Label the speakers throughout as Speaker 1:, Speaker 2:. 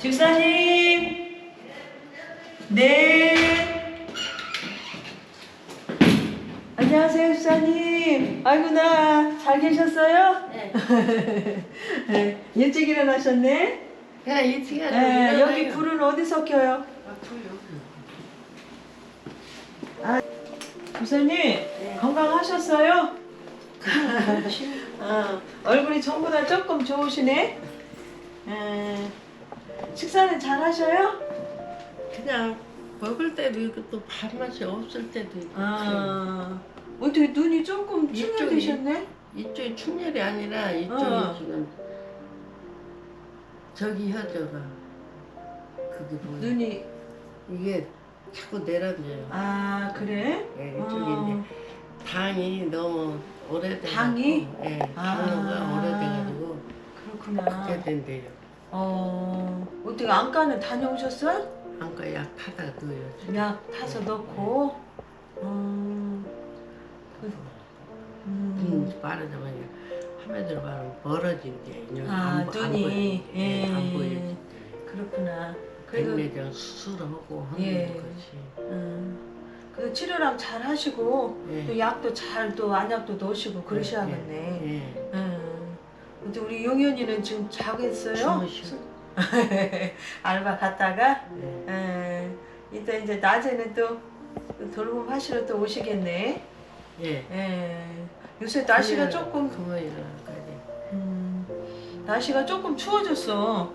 Speaker 1: 집사님. 네. 안녕하세요, 집사님. 아이고나, 잘 계셨어요?
Speaker 2: 네.
Speaker 1: 네. 일찍 일어나셨네?
Speaker 2: 그냥 일찍 하죠.
Speaker 1: 네, 여기 불은 어디서 켜요? 아, 집사님, 네. 건강하셨어요? 얼굴이 전보다 조금 좋으시네? 식사는 잘 하셔요?
Speaker 2: 그냥 먹을 때도 있고 또 밥맛이 없을 때도 있고.
Speaker 1: 어떻게 눈이 조금 충혈되셨네?
Speaker 2: 이쪽이 충혈이 아니라 이쪽이 지금 저기 혀져가 그게 뭐야?
Speaker 1: 눈이
Speaker 2: 이게 자꾸 내려져요.
Speaker 1: 아 그래?
Speaker 2: 네, 이쪽인데 당이 너무 오래돼가지고.
Speaker 1: 당이?
Speaker 2: 네, 당뇨가 오래돼가지고
Speaker 1: 그렇구나.
Speaker 2: 그게 된대요.
Speaker 1: 어떻게 안과는 다녀오셨어요?
Speaker 2: 안과 약 타다 넣어요. 지금.
Speaker 1: 약 타서 넣고.
Speaker 2: 눈 빠르자마자 화면으로 바로 멀어진대.
Speaker 1: 눈이
Speaker 2: 안 보여요.
Speaker 1: 그렇구나. 그래도
Speaker 2: 백내장 수술하고 하는
Speaker 1: 예.
Speaker 2: 거지.
Speaker 1: 그 치료랑 잘 하시고
Speaker 2: 예.
Speaker 1: 또 약도 잘 또 안약도 넣으시고 그러셔야겠네.
Speaker 2: 예.
Speaker 1: 근데 우리 용현이는 지금 자겠어요?
Speaker 2: 주무시고.
Speaker 1: 알바 갔다가
Speaker 2: 예.
Speaker 1: 이따 이제 낮에는 또 돌봄 하시러 또 오시겠네.
Speaker 2: 예.
Speaker 1: 요새 날씨가 조금
Speaker 2: 금요일까지.
Speaker 1: 날씨가 조금 추워졌어.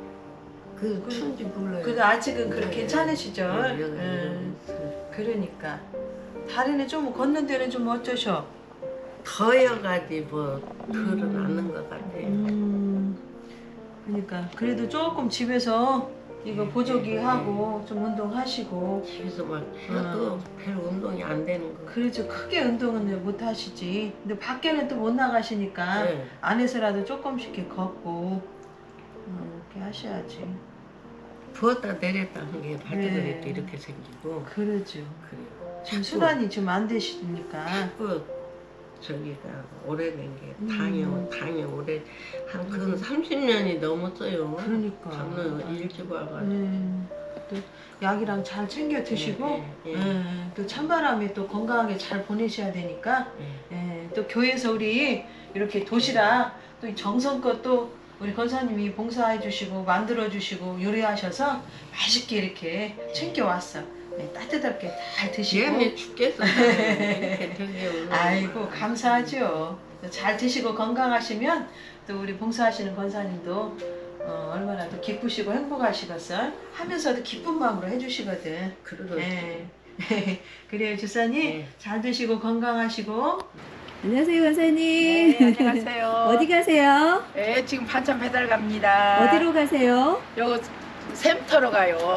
Speaker 2: 그 추운지 몰라요.
Speaker 1: 근데 아직은 그래 괜찮으시죠?
Speaker 2: 여기
Speaker 1: 그러니까 다리는 좀 걷는 데는 좀 어쩌셔?
Speaker 2: 더여가지 뭐 덜은 않는 것 같아요.
Speaker 1: 그러니까 그래도 조금 집에서 이거 보조기 하고 좀 운동하시고.
Speaker 2: 집에서 막 해도 별 운동이 안 되는 거.
Speaker 1: 그렇죠. 크게 운동은 못 하시지. 근데 밖에는 또 못 나가시니까
Speaker 2: 네.
Speaker 1: 안에서라도 조금씩 이렇게 걷고 이렇게 하셔야지.
Speaker 2: 부었다 내렸다 한 게 발톱이
Speaker 1: 네.
Speaker 2: 이렇게 생기고.
Speaker 1: 그러죠.
Speaker 2: 그래요.
Speaker 1: 지금 순환이 좀 안 되시니까.
Speaker 2: 자꾸 저기가 오래된 게 당이 오래 한 근 30년이 넘었어요.
Speaker 1: 그러니까.
Speaker 2: 저는 일찍 와가지고.
Speaker 1: 또 약이랑 잘 챙겨 드시고 또 찬바람에 또 건강하게 잘 보내셔야 되니까 또 교회에서 우리 이렇게 도시락 또 정성껏 또 우리 권사님이 봉사해 주시고 만들어 주시고 요리하셔서 맛있게 이렇게 챙겨 왔어. 따뜻하게 잘 드시고.
Speaker 2: 시험에 죽겠어. 이렇게 되게
Speaker 1: 아이고 감사하죠. 잘 드시고 건강하시면 또 우리 봉사하시는 권사님도 얼마나 더 기쁘시고 행복하시겠어. 하면서도 기쁜 마음으로 해주시거든.
Speaker 2: 그러죠.
Speaker 1: 그래요 주사님 잘 드시고 건강하시고.
Speaker 3: 안녕하세요, 권사님.
Speaker 4: 네, 안녕하세요.
Speaker 3: 어디 가세요?
Speaker 4: 네, 지금 반찬 배달 갑니다.
Speaker 3: 어디로 가세요?
Speaker 4: 요 샘터로 가요.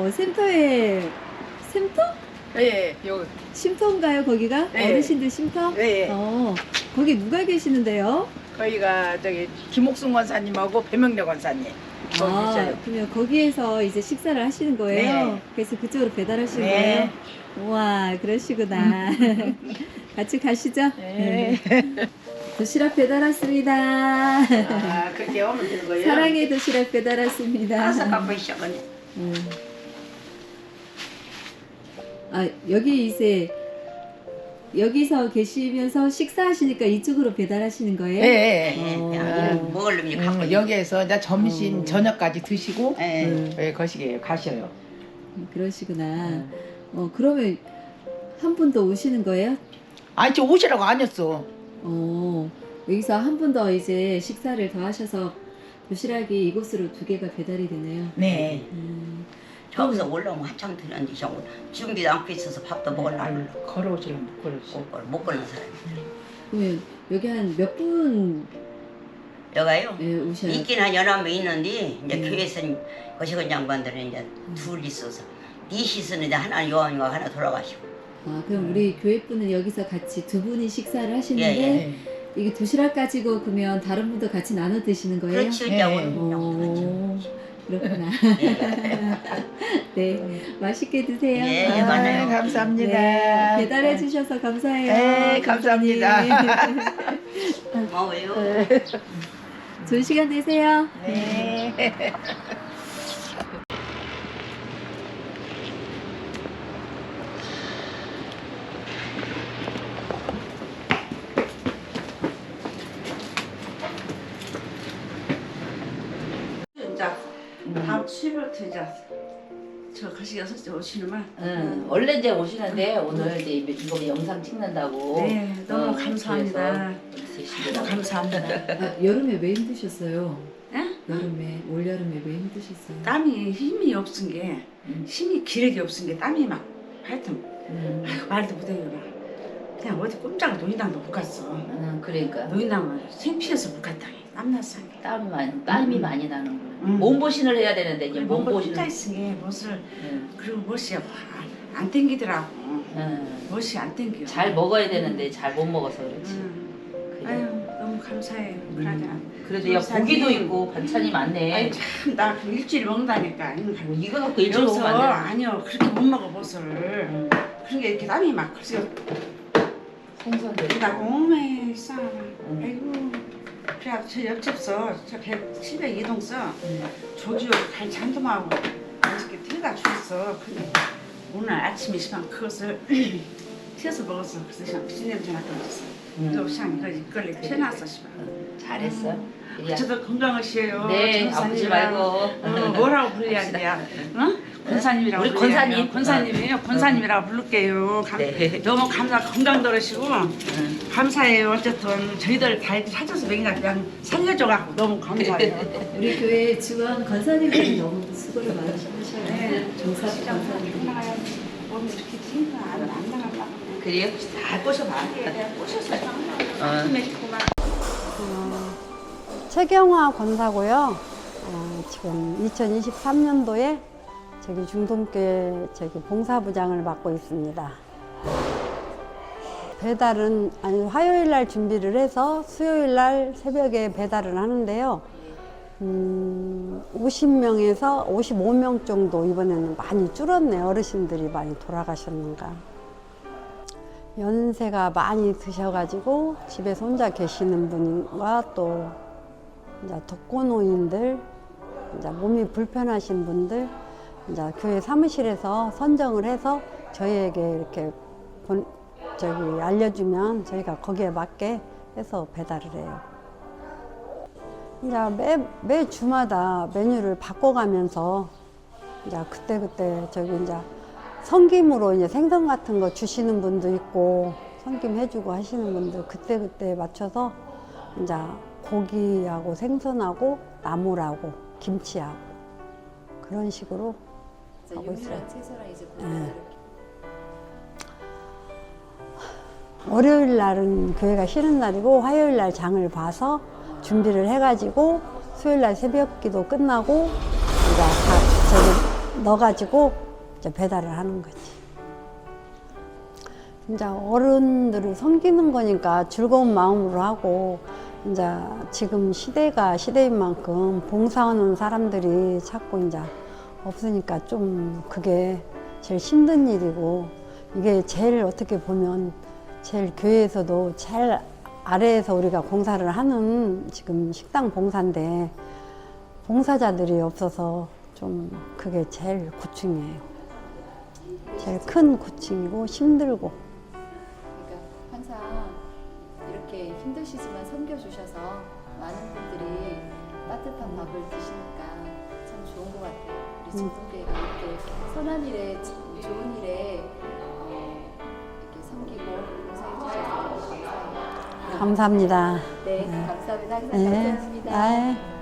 Speaker 3: 샘터에 샘터?
Speaker 4: 네, 요
Speaker 3: 쉼터인가요, 거기가?
Speaker 4: 네.
Speaker 3: 어르신들 쉼터?
Speaker 4: 네.
Speaker 3: 거기 누가 계시는데요?
Speaker 4: 거기가 저기 김옥순 권사님하고 배명래 권사님. 거기 계셔요.
Speaker 3: 그러면 거기에서 이제 식사를 하시는 거예요?
Speaker 4: 네.
Speaker 3: 그래서 그쪽으로 배달하시는
Speaker 4: 네.
Speaker 3: 거예요? 우와, 그러시구나. 같이 가시죠.
Speaker 4: 네.
Speaker 3: 도시락 배달 왔습니다.
Speaker 4: 아, 그렇게 오면 되는 거예요?
Speaker 3: 사랑의 도시락 배달 왔습니다.
Speaker 4: 다섯 갖고 시작하네.
Speaker 3: 여기 이제 여기서 계시면서 식사하시니까 이쪽으로 배달하시는 거예요?
Speaker 4: 네.
Speaker 5: 먹으려면
Speaker 4: 여기에서 이제 점심, 저녁까지 드시고
Speaker 5: 네.
Speaker 4: 거시기에 가셔요.
Speaker 3: 그러시구나. 그러면 한 분 더 오시는 거예요?
Speaker 4: 아니, 저 오시라고 안 했어.
Speaker 3: 여기서 한 분 더 이제 식사를 더 하셔서 도시락이 이곳으로 2개가 배달이 되네요.
Speaker 4: 네.
Speaker 5: 저기서 올라오면 한참 되는데 저거 준비도 않고 있어서 밥도 먹으려고
Speaker 4: 걸어오시려면 못 걸으시.
Speaker 5: 못 걸는 사람.
Speaker 3: 그러면 여기 한 몇 분
Speaker 5: 여가요?
Speaker 3: 오셔야
Speaker 5: 있긴 한 11명 있는데 이제 교회에서 거시건 양반들은 이제 둘 있어서 넷이서는 이제 하나 요한이가 하나 돌아가시고.
Speaker 3: 그럼 우리 교회 분은 여기서 같이 2분이 식사를 하시는데
Speaker 5: 예.
Speaker 3: 이게 도시락 가지고 그러면 다른 분도 같이 나눠 드시는 거예요?
Speaker 5: 그렇지 이제 오늘
Speaker 3: 그렇구나. 네, 맛있게 드세요.
Speaker 5: 예, 맞아요.
Speaker 4: 감사합니다.
Speaker 3: 네, 배달해 주셔서 감사해요.
Speaker 4: 네, 감사합니다.
Speaker 5: 고마워요.
Speaker 3: 좋은 시간 되세요.
Speaker 4: 네.
Speaker 6: 7월부터 이제 저 가시 6시 오시는만.
Speaker 7: 원래 이제 오시는데 오늘 이제 이거 영상 찍는다고.
Speaker 6: 네, 너무 감사합니다.
Speaker 7: 그래서
Speaker 6: 감사합니다.
Speaker 3: 아, 여름에 왜 힘드셨어요?
Speaker 6: 예?
Speaker 3: 여름에 올여름에 왜 힘드셨어요?
Speaker 6: 땀이 힘이 없은 게 힘이 기력이 없은 게 땀이 막 하여튼 아이고, 말도 못해요. 막. 그냥 어디 꼼짝을 노인당도 못 갔어.
Speaker 7: 그러니까
Speaker 6: 노인당은 생피해서 못 갔다. 땀났어.
Speaker 7: 땀이 많이 나는 거야. 몸보신을 해야 되는데 이제
Speaker 6: 몸보신
Speaker 7: 몸보신을.
Speaker 6: 혼자 있으니 못을 그리고 못이 안 땡기더라고. 못이 안 땡겨.
Speaker 7: 잘 먹어야 되는데 잘 못 먹어서 그렇지. 그래.
Speaker 6: 아유 너무 감사해요. 그러자.
Speaker 7: 그래도 야 고기도 있고 반찬이 많네.
Speaker 6: 아니 참나 일주일 먹는다니까.
Speaker 7: 뭐 이거 갖고 일주일
Speaker 6: 여기서
Speaker 7: 먹으면 안 돼.
Speaker 6: 아니요 그렇게 못 먹어 못을. 그런 게 이렇게 땀이 막 그래서
Speaker 7: 생선도
Speaker 6: 나
Speaker 7: 있고.
Speaker 6: 몸에 싸. 아이고. 그래 저 옆집서 저 700 이동서 조지오 갈 잔도마하고 맛있게 태워다 줬어. 근데 오늘 아침에 시방 그것을 튀어서 먹었어. 그래서 시방 비린냄새 나게 먹었어. 이거 시방 이걸 펴놨어 시방.
Speaker 7: 잘했어. 이리야.
Speaker 6: 저도 건강하시에요.
Speaker 7: 네, 아프지 말고.
Speaker 6: 뭐라고 불러야 돼요? 응? 권사님이라고
Speaker 7: 우리
Speaker 6: 불러야
Speaker 7: 권사님.
Speaker 6: 돼요. 권사님이에요. 권사님이라고 부를게요.
Speaker 7: 네.
Speaker 6: 너무 건강 들으시고 감사해요. 어쨌든 저희들 다 이렇게 찾아서 먹이나 그냥 살려줘갖고 너무 감사해요.
Speaker 3: 우리 교회 지원 권사님들이 너무 수고를 많이 하셔요.
Speaker 6: 네.
Speaker 3: 정사 권사님들이.
Speaker 6: 몸 이렇게 힘도 안 나가려고.
Speaker 7: 그래요? 다 꼬셔봐.
Speaker 6: 내가 꼬셔서 힘내고 막.
Speaker 8: 최경화 권사고요. 지금 2023년도에 저기 중동교회 저기 봉사부장을 맡고 있습니다. 배달은 화요일 날 준비를 해서 수요일 날 새벽에 배달을 하는데요. 50명에서 55명 정도 이번에는 많이 줄었네요. 어르신들이 많이 돌아가셨는가. 연세가 많이 드셔가지고 집에서 혼자 계시는 분과 또 이제 독거노인들, 이제 몸이 불편하신 분들, 이제 교회 사무실에서 선정을 해서 저희에게 이렇게 알려주면 저희가 거기에 맞게 해서 배달을 해요. 이제 매 주마다 메뉴를 바꿔가면서 이제 그때 이제 성김으로 이제 생선 같은 거 주시는 분도 있고 성김 해주고 하시는 분들 그때 맞춰서 이제 고기하고 생선하고 나물하고 김치하고 그런 식으로 하고 있어요.
Speaker 3: 채소랑 이제
Speaker 8: 네. 월요일 날은 교회가 쉬는 날이고 화요일 날 장을 봐서 준비를 해가지고 수요일 날 새벽기도 끝나고 이제 다 저기 넣어가지고 이제 배달을 하는 거지. 이제 어른들을 섬기는 거니까 즐거운 마음으로 하고 이제 지금 시대가 시대인 만큼 봉사하는 사람들이 자꾸 이제 없으니까 좀 그게 제일 힘든 일이고 이게 제일 어떻게 보면 제일 교회에서도 제일 아래에서 우리가 봉사를 하는 지금 식당 봉사인데 봉사자들이 없어서 좀 그게 제일 고충이에요. 제일 큰 고충이고 힘들고.
Speaker 3: 그러니까 항상 이렇게 힘드시지만 섬겨주셔서 많은 분들이 따뜻한 밥을 드시니까 참 좋은 것 같아요. 우리 중동교회가 이렇게 선한 일에 좋은 일에 이렇게 섬기고 봉사해 주셔서 너무 감사해요.
Speaker 8: 감사합니다.
Speaker 3: 네, 감사합니다. 항상
Speaker 8: 네.
Speaker 3: 감사합니다.
Speaker 8: 아이.